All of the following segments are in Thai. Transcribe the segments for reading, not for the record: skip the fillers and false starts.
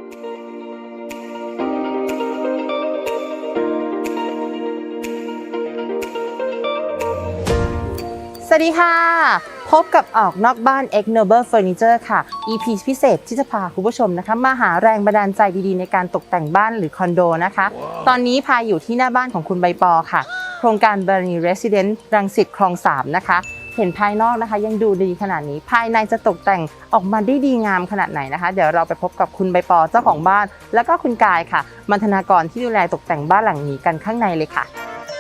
สวัสดีค่ะพบกับออกนอกบ้าน X Noble Furniture ค่ะ EP พิเศษที่จะพาคุณผู้ชมนะคะมาหาแรงบันดาลใจดีๆในการตกแต่งบ้านหรือคอนโดนะคะ ตอนนี้พาอยู่ที่หน้าบ้านของคุณใบปอค่ะโครงการ Barani Residence รังสิตคลอง 3นะคะเห็นภายนอกนะคะยังดูดีขนาดนี้ภายในจะตกแต่งออกมาได้ดีงามขนาดไหนนะคะเดี๋ยวเราไปพบกับคุณใบปอเจ้าของบ้านแล้วก็คุณกายค่ะบรรณาธิการที่ดูแลตกแต่งบ้านหลังนี้กันข้างในเลยค่ะ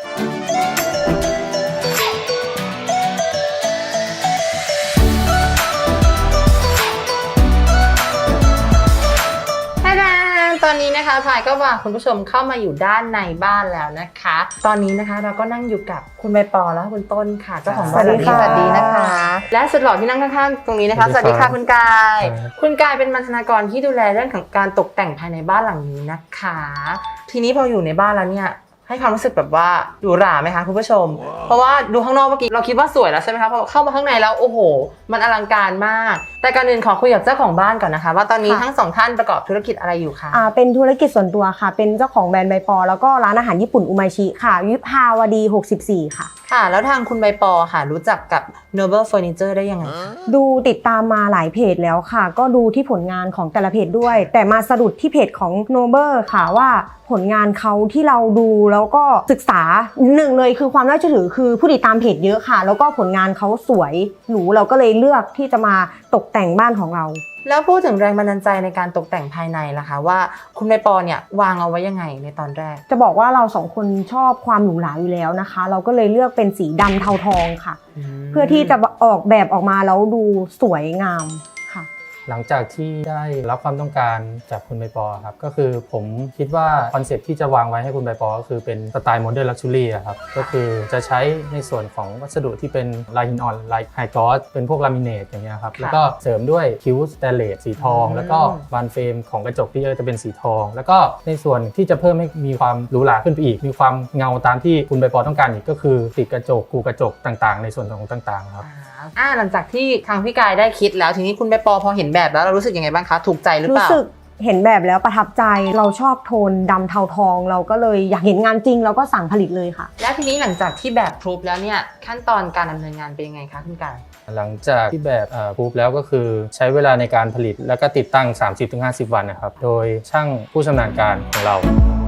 ตอนนี้นะคะพายก็พาคุณผู้ชมเข้ามาอยู่ด้านในบ้านแล้วนะคะตอนนี้นะคะเราก็นั่งอยู่กับคุณใบปอและคุณต้นค่ะเจ้าของบ้านสวัสดีนะคะและสุดหล่อที่นั่งข้างๆตรงนี้นะคะสวัสดีค่ะคุณกายคุณกายเป็นบรรณาธิการที่ดูแลเรื่องของการตกแต่งภายในบ้านหลังนี้นะคะทีนี้พออยู่ในบ้านแล้วเนี่ยให้ความรู้สึกแบบว่าหรูหราไหมคะคุณผู้ชมเพราะว่าดูข้างนอกเมื่อกี้เราคิดว่าสวยแล้วใช่ไหมคะพอเข้ามาข้างในแล้วโอ้โหมันอลังการมากแต่ก่อนอื่นขอคุยกับเจ้าของบ้านก่อนนะคะว่าตอนนี้ทั้งสองท่านประกอบธุรกิจอะไรอยู่คะเป็นธุรกิจส่วนตัวค่ะเป็นเจ้าของแบรนด์ใบปอแล้วก็ร้านอาหารญี่ปุ่นอุมาชิค่ะวิภาวดี64ค่ะค่ะแล้วทางคุณใบปอค่ะรู้จักกับ Noble Furniture ได้ยังไงคะดูติดตามมาหลายเพจแล้วค่ะก็ดูที่ผลงานของแต่ละเพจด้วยแต่มาสะดุดที่เพจของ Noble ค่ะว่าผลงานเขาที่เราดูแล้วก็ศึกษาหนึ่งเลยคือความน่าเชื่อถือคือผู้ติดตามเพจเยอะค่ะแล้วก็ผลงานเขาสวยหรูเราก็เลยเลือกที่จะมาตกแต่งบ้านของเราแล้วพูดถึงแรงบันดาลใจในการตกแต่งภายในล่ะคะว่าคุณใบปอเนี่ยวางเอาไว้ยังไงในตอนแรกจะบอกว่าเราสองคนชอบความหรูหราอยู่แล้วนะคะเราก็เลยเลือกเป็นสีดำเทาทองค่ะเพื่อที่จะออกแบบออกมาแล้วดูสวยงามค่ะหลังจากที่ได้รับความต้องการจากคุณใบปอครับก็คือผมคิดว่าคอนเซ็ปต์ที่จะวางไว้ให้คุณใบปอก็คือเป็นสไตล์โมเดิร์นลักชัวรี่ครับก็คือจะใช้ในส่วนของวัสดุที่เป็นลายหินอ่อนลายไฮกลอสเป็นพวกลามิเนตอย่างเงี้ยครับแล้วก็เสริมด้วยคิ้วสแตนเลสสีทองแล้วก็บานเฟรมของกระจกที่จะเป็นสีทองแล้วก็ในส่วนที่จะเพิ่มให้มีความหรูหราขึ้นไปอีกมีความเงาตามที่คุณใบปอต้องการอีกก็คือติดกระจกกูกระจกต่างๆในส่วนของต่างๆครับหลังจากที่ทางพี่กายได้คิดแล้วทีนี้คุณใบปอพอเห็นแบบแล้วเรารู้สึกยังไงบ้างคะถูกใจหรือเปล่ารู้สึกเห็นแบบแล้วประทับใจเราชอบโทนดำเทาทองเราก็เลยอยากเห็นงานจริงเราก็สั่งผลิตเลยค่ะแล้วทีนี้หลังจากที่แบบพรูฟแล้วเนี่ยขั้นตอนการดำเนินงานเป็นยังไงคะคุณกายหลังจากที่แบบพรูฟแล้วก็คือใช้เวลาในการผลิตแล้วก็ติดตั้ง 30-50 วันนะครับโดยช่างผู้ชำนาญการของเรา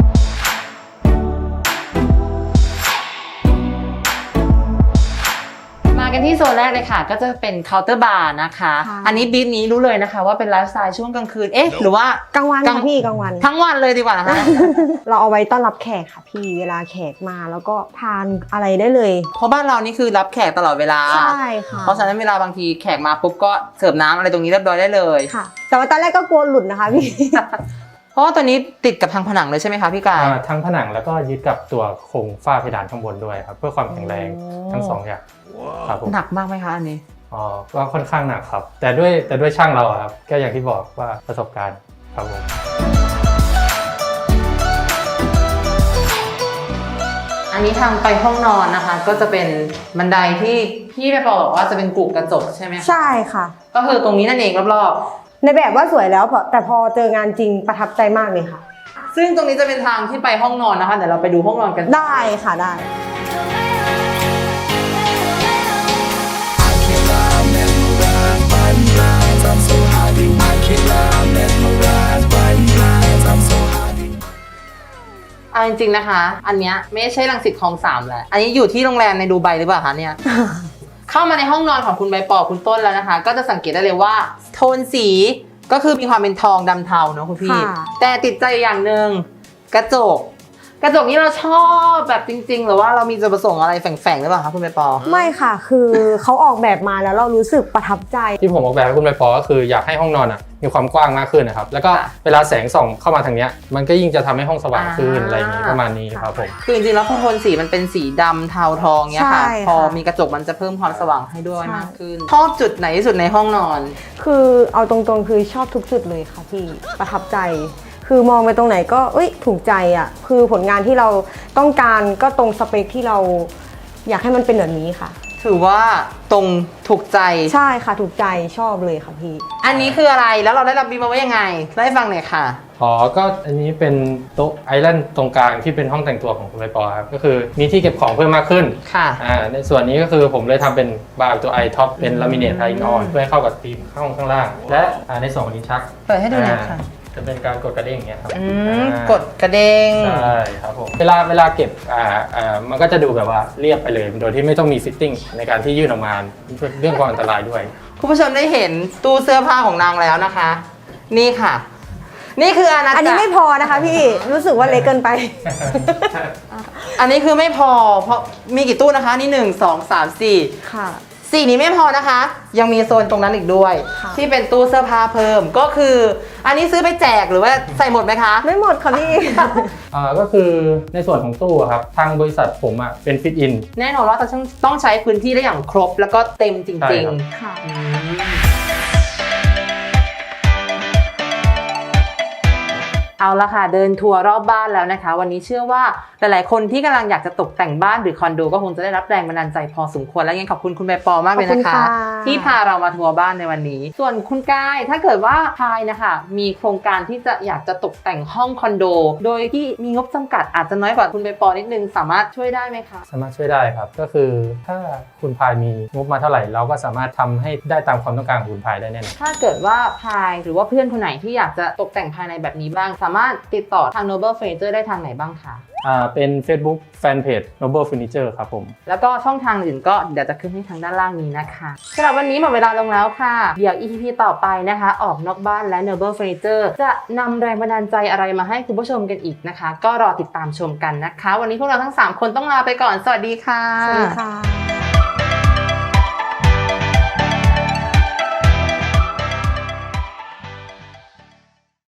กันที่โซนแรกเลยค่ะก็จะเป็นเคาน์เตอร์บาร์นะคะอันนี้บีฟนี้รู้เลยนะคะว่าเป็นไลฟ์สไตล์ช่วงกลางคืนหรือว่ากลางวันค่ะพี่กลางวันทั้งวันเลยดีกว่านะคะเราเอาไว้ต้อนรับแขกค่ะพี่เวลาแขกมาแล้วก็ทานอะไรได้เลยเพราะบ้านเรานี่คือรับแขกตลอดเวลาใช่ค่ะเพราะฉะนั้นเวลาบางทีแขกมาปุ๊บก็เสิร์ฟน้ำอะไรตรงนี้เรียบร้อยได้เลยค่ะแต่ว่าตอนแรกก็กลัวหลุดนะคะพี่เพราะว่าตัวนี้ติดกับทางผนังเลยใช่ไหมคะพี่กายทั้งผนังแล้วก็ยึดกับตัวโครงฝ้าเพดานข้างบนด้วยครับเพื่อความแข็งแรงทั้งสองอย่างครับหนักมากไหมคะอันนี้ก็ค่อนข้างหนักครับแต่ด้วยช่างเราครับก็อย่างที่บอกว่าประสบการณ์ครับผมอันนี้ทางไปห้องนอนนะคะก็จะเป็นบันไดที่พี่ไปบอกว่าจะเป็นกรุกระจกใช่ไหมใช่ค่ะก็คือตรงนี้นั่นเองรอบๆในแบบว่าสวยแล้วแต่พอเจองานจริงประทับใจมากเลยค่ะซึ่งตรงนี้จะเป็นทางที่ไปห้องนอนนะคะเดี๋ยวเราไปดูห้องนอนกันได้ค่ะได้เอาจริงๆนะคะอันเนี้ยไม่ใช่รังสิตคลอง 3แล้วอันนี้อยู่ที่โรงแรมในดูไบหรือเปล่าคะเนี่ย เข้ามาในห้องนอนของคุณใบปอคุณต้นแล้วนะคะก็จะสังเกตได้เลยว่าโทนสีก็คือมีความเป็นทองดำเทาเนาะคุณพี่แต่ติดใจอย่างหนึ่งกระจกนี้เราชอบแบบจริงๆหรือว่าเรามีจุดประสงค์อะไรแฝงๆหรือเปล่าคะคุณใบปอไม่ค่ะคือเขาออกแบบมาแล้วเรารู้สึกประทับใจที่ผมออกแบบให้คุณใบปอก็คืออยากให้ห้องนอนมีความกว้างมากขึ้นนะครับแล้วก็เวลาแสงส่องเข้ามาทางนี้มันก็ยิ่งจะทำให้ห้องสว่างขึ้นอะไรอย่างนี้ประมาณนี้ครับผมคือจริงๆแล้วโทนสีมันเป็นสีดำเทาทองเนี้ยค่ะพอมีกระจกมันจะเพิ่มความสว่างให้ด้วยมากขึ้นชอบจุดไหนที่สุดในห้องนอนคือเอาตรงๆคือชอบทุกจุดเลยค่ะพี่ประทับใจคือมองไปตรงไหนก็ถูกใจอ่ะคือผลงานที่เราต้องการก็ตรงสเปคที่เราอยากให้มันเป็นแบบนี้ค่ะถือว่าตรงถูกใจใช่ค่ะถูกใจชอบเลยค่ะพี่อันนี้คืออะไรแล้วเราได้รับบีมาไว้ยังไงเล่าให้ฟังหน่อยค่ะอ๋อก็อันนี้เป็นโต๊ะไอแลนด์ตรงกลางที่เป็นห้องแต่งตัวของคุณใบปอครับก็คือมีที่เก็บของเพิ่มมากขึ้นค่ะในส่วนนี้ก็คือผมเลยทำเป็นบาร์ตัวไอท็อปเป็นลามิเนตไทอินออนเพื่อให้เข้ากับธีมข้างล่าง และในส่วนของลิ้นชักเปิดให้ดูหน่อยค่ะจะเป็นการกดกระเด้งอย่างเงี้ยครับกดกระเด้งใช่ครับผมเวลาเก็บมันก็จะดูแบบว่าเรียบไปเลยโดยที่ไม่ต้องมีฟิตติ้งในการที่ยื่นออกมาเรื่องความอันตรายด้วยคุณผู้ชมได้เห็นตู้เสื้อผ้าของนางแล้วนะคะ นี่ค่ะ นี่คืออาณาจักรอันนี้ไม่พอนะคะพี่รู้สึกว่าเล็กเกินไปอันนี้คือไม่พอเพราะมีกี่ตู้นะคะนี่1 2 3 4 ค่ะ 4นี้ไม่พอนะคะ ยังมีโซนตรงนั้นอีกด้วยค่ะที่เป็นตู้เสื้อผ้าเพิ่มก็คือ อันนี้ซื้อไปแจกหรือว่าใส่หมดไหมคะไม่หมดค่ะพี่ก็คือในส่วนของตู้อะครับทางบริษัทผมเป็นฟิตอินแน่นอนว่าต้องใช้พื้นที่ได้อย่างครบแล้วก็เต็มจใช่ริงครับๆค่ะเอาละค่ะเดินทัวร์รอบบ้านแล้วนะคะ วันนี้เชื่อว่าหลายๆคนที่กำลังอยากจะตกแต่งบ้านหรือคอนโดก็คงจะได้รับแรงบันดาลใจพอสมควรและยังขอบคุณคุณใบปอมากเลยนะคะขอบคุณค่ะที่พาเรามาทัวร์บ้านในวันนี้ ส่วนคุณกายถ้าเกิดว่าพายนะคะมีโครงการที่จะอยากจะตกแต่งห้องคอนโด โดยที่มีงบจำกัดอาจจะน้อยกว่าคุณใบปอนิดนึงสามารถช่วยได้ไหมคะสามารถช่วยได้ครับก็คือถ้าคุณพายมีงบมาเท่าไหร่เราก็สามารถทำให้ได้ตามความต้องการของคุณพายได้แน่นอนถ้าเกิดว่าพายหรือว่าเพื่อนคนไหนที่อยากจะตกแต่งภายในแบบนี้บ้าง สามารถติดต่อทาง Noble Furniture ได้ทางไหนบ้างคะเป็น Facebook Fanpage Noble Furniture ครับผมแล้วก็ช่องทางอื่นก็เดี๋ยวจะขึ้นให้ทางด้านล่างนี้นะคะสำหรับวันนี้หมดเวลาลงแล้วค่ะ เดี๋ยว EP ต่อไปนะคะ ออกนอกบ้านและ Noble Furniture จะนำแรงบันดาลใจอะไรมาให้คุณผู้ชมกันอีกนะคะ ก็รอติดตามชมกันนะคะ วันนี้พวกเราทั้ง 3 คนต้องลาไปก่อน สวัสดีค่ะสวัสดีค่ะ